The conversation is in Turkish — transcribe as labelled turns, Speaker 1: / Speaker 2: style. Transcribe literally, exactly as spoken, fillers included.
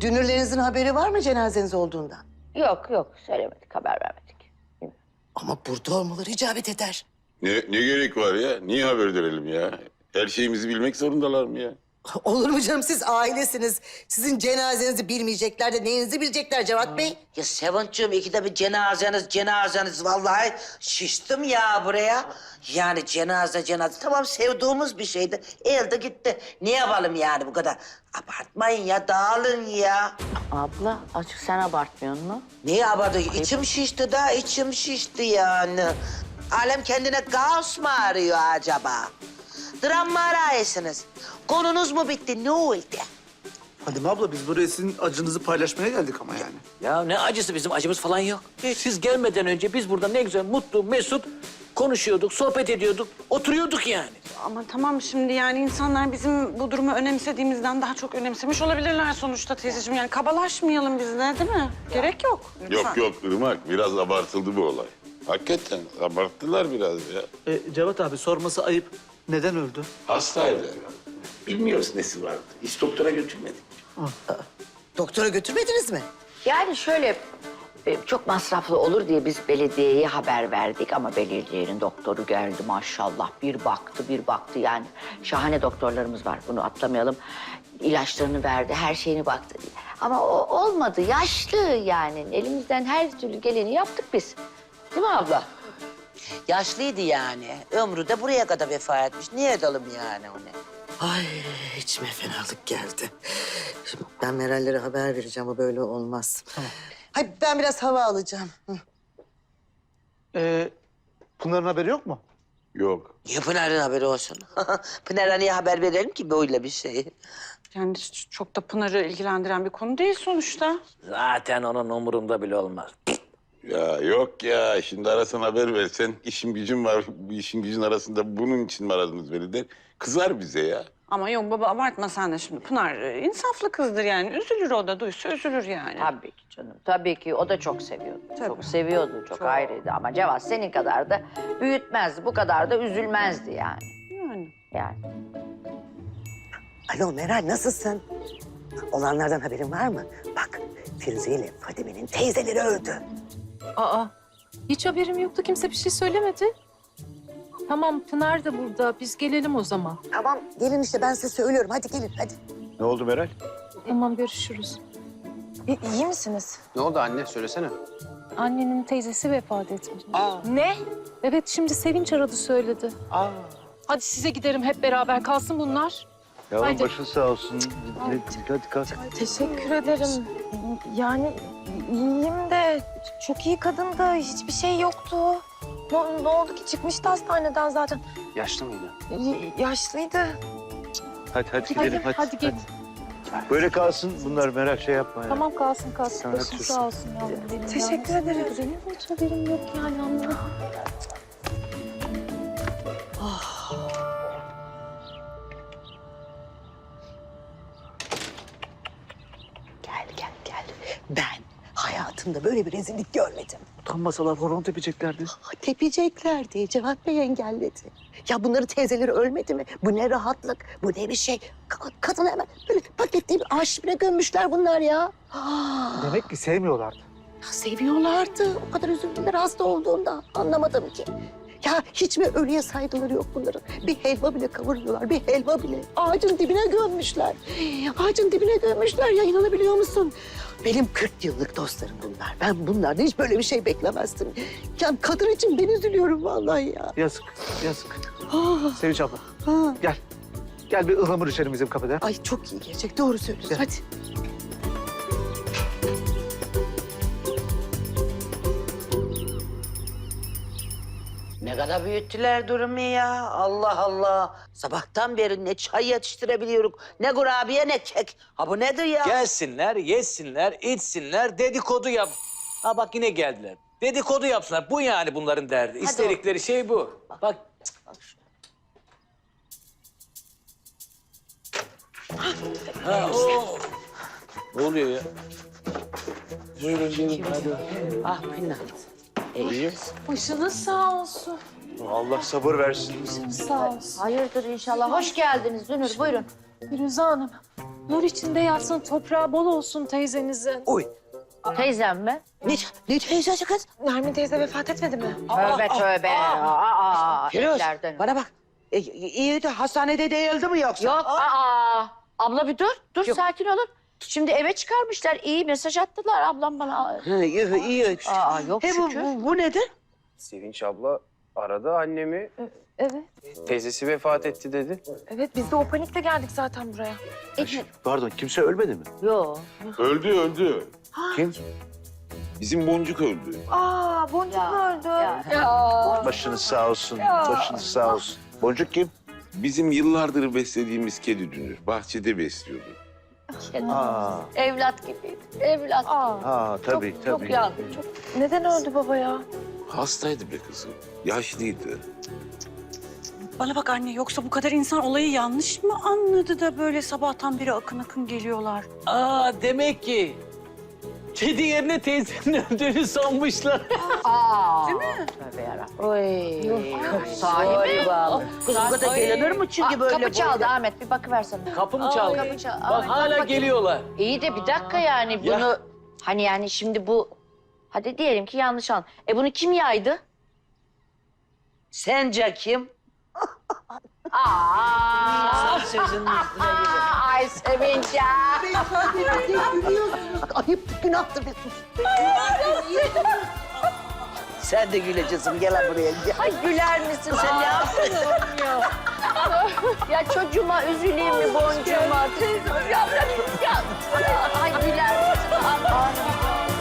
Speaker 1: dünürlerinizin haberi var mı cenazeniz olduğundan?
Speaker 2: Yok yok söylemedik, haber vermedik.
Speaker 1: Ama burada olmaları icabet eder.
Speaker 3: Ne, ne gerek var ya? Niye haber verelim ya? Her şeyimizi bilmek zorundalar mı ya?
Speaker 1: Olur mu canım, siz ailesiniz. Sizin cenazenizi bilmeyecekler de neyinizi bilecekler Cevat Bey?
Speaker 4: Ya Sevinç'cığım ikide bir cenazeniz cenazeniz vallahi şiştim ya buraya. Yani cenaze cenaze tamam sevdiğimiz bir şeydi. Elde gitti. Ne yapalım yani bu kadar? Abartmayın ya dağılın ya.
Speaker 2: Abla açık sen abartmıyorsun mu?
Speaker 4: Neyi abartı? İçim şişti da içim şişti yani. Alem kendine kaos mu arıyor acaba? Dram mı arayısınız? Konunuz mu bitti? Ne oldu?
Speaker 5: Fadime abla biz buraya sizin acınızı paylaşmaya geldik ama yani.
Speaker 6: Ya ne acısı, bizim acımız falan yok. Siz gelmeden önce biz burada ne güzel mutlu, mesut konuşuyorduk, sohbet ediyorduk, oturuyorduk yani.
Speaker 7: Ama tamam şimdi yani insanlar bizim bu durumu önemsediğimizden daha çok önemsemiş olabilirler sonuçta teyzeciğim. Yani kabalaşmayalım biz de değil mi? Gerek yok. Lütfen.
Speaker 3: Yok yok Irmak, biraz abartıldı bu olay. Hakikaten abarttılar biraz ya.
Speaker 5: E, Cevat abi sorması ayıp. Neden öldü?
Speaker 8: Hastaydı. Bilmiyoruz nesi vardı. Hiç doktora götürmedik.
Speaker 1: Doktora götürmediniz mi?
Speaker 2: Yani şöyle e, çok masraflı olur diye biz belediyeye haber verdik ama belediyenin doktoru geldi maşallah. Bir baktı bir baktı yani şahane doktorlarımız var, bunu atlamayalım. İlaçlarını verdi, her şeyini baktı. Ama o olmadı, yaşlı yani. Elimizden her türlü geleni yaptık biz. Değil mi abla?
Speaker 4: Yaşlıydı yani. Ömrü de buraya kadar vefa etmiş. Niye edelim yani onu?
Speaker 1: Ay içime fenalık geldi. Şimdi ben Meral'lere haber vereceğim, bu böyle olmaz. Tamam. Hayır, ben biraz hava alacağım. Hı.
Speaker 5: E, Pınar'ın haberi yok mu?
Speaker 3: Yok.
Speaker 4: Niye Pınar'ın haberi olsun? Pınar'a niye haber verelim ki böyle bir şeyi?
Speaker 7: Yani çok da Pınar'ı ilgilendiren bir konu değil sonuçta.
Speaker 6: Zaten onun umurunda bile olmaz.
Speaker 3: Ya yok ya, şimdi arasan haber versen, işim gücüm var, bu işin gücün arasında bunun için mi aradınız beni der. Kızar bize ya.
Speaker 7: Ama yok baba abartma sen de şimdi. Pınar e, insaflı kızdır yani. Üzülür o da, duysa üzülür yani.
Speaker 2: Tabii ki canım, tabii ki. O da çok seviyordu.
Speaker 7: Tabii.
Speaker 2: Çok seviyordu, çok,
Speaker 7: Çok.
Speaker 2: ayrıydı. Ama Cevat senin kadar da büyütmezdi, bu kadar da üzülmezdi yani.
Speaker 7: Yani.
Speaker 2: Yani.
Speaker 1: Alo Meral, nasılsın? Olanlardan haberin var mı? Bak, Firuze ile Fadime'nin teyzeleri öldü.
Speaker 9: Aa, hiç haberim yoktu. Kimse bir şey söylemedi. Tamam, Pınar da burada. Biz gelelim o zaman.
Speaker 1: Tamam, gelin işte, ben size söylüyorum. Hadi gelin, hadi.
Speaker 8: Ne oldu Meral?
Speaker 9: Tamam, görüşürüz.
Speaker 10: İyi misiniz?
Speaker 8: Ne oldu anne? Söylesene.
Speaker 9: Annenin teyzesi vefat etmiş.
Speaker 8: Aa.
Speaker 9: Ne? Evet, şimdi Sevinç aradı söyledi.
Speaker 8: Aa.
Speaker 9: Hadi size giderim hep beraber. Kalsın bunlar.
Speaker 8: Yavrum
Speaker 9: Haydi.
Speaker 8: başın sağ olsun. Hadi, hadi kalk.
Speaker 10: Teşekkür ederim. Yani iyiyim de çok iyi kadındı. Hiçbir şey yoktu. Ne, ne oldu ki? Çıkmıştı hastaneden zaten.
Speaker 8: Yaşlı mıydı?
Speaker 10: Y- yaşlıydı.
Speaker 8: Hadi hadi gidelim hadi.
Speaker 9: Hadi git.
Speaker 8: Böyle kalsın bunlar Meral, şey yapma ya.
Speaker 9: Tamam, kalsın kalsın.
Speaker 8: Sen
Speaker 9: Başın
Speaker 8: haklısın.
Speaker 9: sağ olsun yavrum benim.
Speaker 10: Teşekkür
Speaker 9: ya.
Speaker 10: ederim.
Speaker 9: Benim hiç haberim yok yani, anladım.
Speaker 1: Gel, gel, gel. Ben hayatımda böyle bir rezillik görmedim.
Speaker 5: Utanmasalar horon tepeceklerdi.
Speaker 1: Ah, tepeceklerdi. Cevat Bey engelledi. Ya bunların teyzeleri ölmedi mi? Bu ne rahatlık, bu ne bir şey. Ka- Kadını hemen böyle paketleyip arşivine gömmüşler bunlar ya. Ah,
Speaker 5: Demek ki sevmiyorlardı.
Speaker 1: ya seviyorlardı. O kadar üzüldüler hasta olduğunda. Anlamadım ki. Ya hiç mi ölüye saygıları yok bunların? Bir helva bile kavurmuyorlar, bir helva bile. Ağacın dibine gömmüşler. Ağacın dibine gömmüşler ya, inanabiliyor musun? Benim kırk yıllık dostlarım bunlar. Ben bunlardan hiç böyle bir şey beklemezdim. Ya kadın için ben üzülüyorum vallahi ya.
Speaker 5: Yazık, yazık.
Speaker 1: Ah,
Speaker 5: Sevinç abla
Speaker 1: ah.
Speaker 5: gel. Gel bir ıhlamur içelim bizim kafede.
Speaker 1: Ay çok iyi gelecek, doğru söylüyorsun.
Speaker 5: Gel.
Speaker 1: Hadi.
Speaker 4: Ne kadar büyüttüler durumu ya. Allah Allah. Sabahtan beri ne çay yetiştirebiliyoruz, ne kurabiye ne kek. Ha bu nedir ya?
Speaker 6: Gelsinler, yesinler, içsinler, dedikodu yap. Ha bak yine geldiler. Dedikodu yapsınlar. Bu yani bunların derdi. İstedikleri şey bu. Bak. Ha, o. Ne oluyor ya? Buyurun gelin hadi.
Speaker 4: Ah Pınar.
Speaker 6: İyi.
Speaker 9: Başınız sağ olsun.
Speaker 8: Allah sabır versin.
Speaker 9: Başınız sağ olsun.
Speaker 2: Hayırdır inşallah. Hoş geldiniz Dünür, buyurun.
Speaker 9: Firuze Hanım, Nur içinde yatsın, toprağı bol olsun teyzenizin.
Speaker 4: Oy.
Speaker 2: Teyzem mi?
Speaker 4: Ne, ne teyzesi kız?
Speaker 10: Nermin teyze vefat etmedi mi?
Speaker 2: Tövbe tövbe. Aa,
Speaker 4: Firuze,
Speaker 2: etlerden.
Speaker 4: bana bak. E, iyi de hastanede değildi mi yoksa?
Speaker 2: Yok, aa. Abla bir dur, dur sakin olun. Şimdi eve çıkarmışlar, iyi mesaj attılar ablam bana.
Speaker 4: Ha, iyi, iyi.
Speaker 2: Aa, yok
Speaker 4: He, bu,
Speaker 2: şükür.
Speaker 4: bu, bu nedir?
Speaker 11: Sevinç abla aradı annemi.
Speaker 10: Evet.
Speaker 11: Teyzesi vefat etti dedi.
Speaker 10: Evet biz de o panikle geldik zaten buraya.
Speaker 8: Pardon, kimse ölmedi mi?
Speaker 2: Yok.
Speaker 3: Öldü öldü.
Speaker 8: Kim?
Speaker 3: Bizim Boncuk öldü.
Speaker 10: Aa Boncuk mu öldü?
Speaker 8: Başınız sağ olsun, başınız sağ olsun. Boncuk kim?
Speaker 3: Bizim yıllardır beslediğimiz kedi Dünür. Bahçede besliyordu.
Speaker 8: Aa,
Speaker 2: Evlat gibiydi, evlat.
Speaker 8: aa tabii
Speaker 2: çok,
Speaker 8: tabii.
Speaker 2: Çok yandı, çok.
Speaker 10: Neden öldü baba ya?
Speaker 3: Hastaydı be kızım. Yaşlıydı.
Speaker 7: Bana bak anne, yoksa bu kadar insan olayı yanlış mı anladı da böyle sabahtan beri akın akın geliyorlar?
Speaker 6: Aa demek ki kedi yerine teyzenin öldüğünü sanmışlar.
Speaker 2: Aa. Değil mi? Tövbe yarabbim. Oy. Sahibi.
Speaker 4: Kız bu kadar gelinir mi çünkü
Speaker 2: Aa,
Speaker 4: böyle?
Speaker 2: kapı çaldı Ahmet, bir bakıversene.
Speaker 6: Kapı mı çaldı?
Speaker 2: Kapı çaldı.
Speaker 6: Bak
Speaker 2: Ahmet,
Speaker 6: hala
Speaker 2: bakayım.
Speaker 6: geliyorlar.
Speaker 2: İyi de bir dakika yani
Speaker 6: Ya.
Speaker 2: bunu... Hani yani şimdi bu... Hadi diyelim ki yanlış an. E bunu kim yaydı?
Speaker 4: Sence kim?
Speaker 2: Aa.
Speaker 4: Sözünün üstüne gelir.
Speaker 2: Ay Sevinç ya.
Speaker 1: Ayıp, günahtır be sus.
Speaker 4: Sen de güleceksin. Gel lan buraya. Gel.
Speaker 2: Ay güler misin sen ne yaptın ya? Ya çocuğuma üzüleyim mi boncuğuma? Teyzem ya, ya, ya. Ay güler misin? Aman.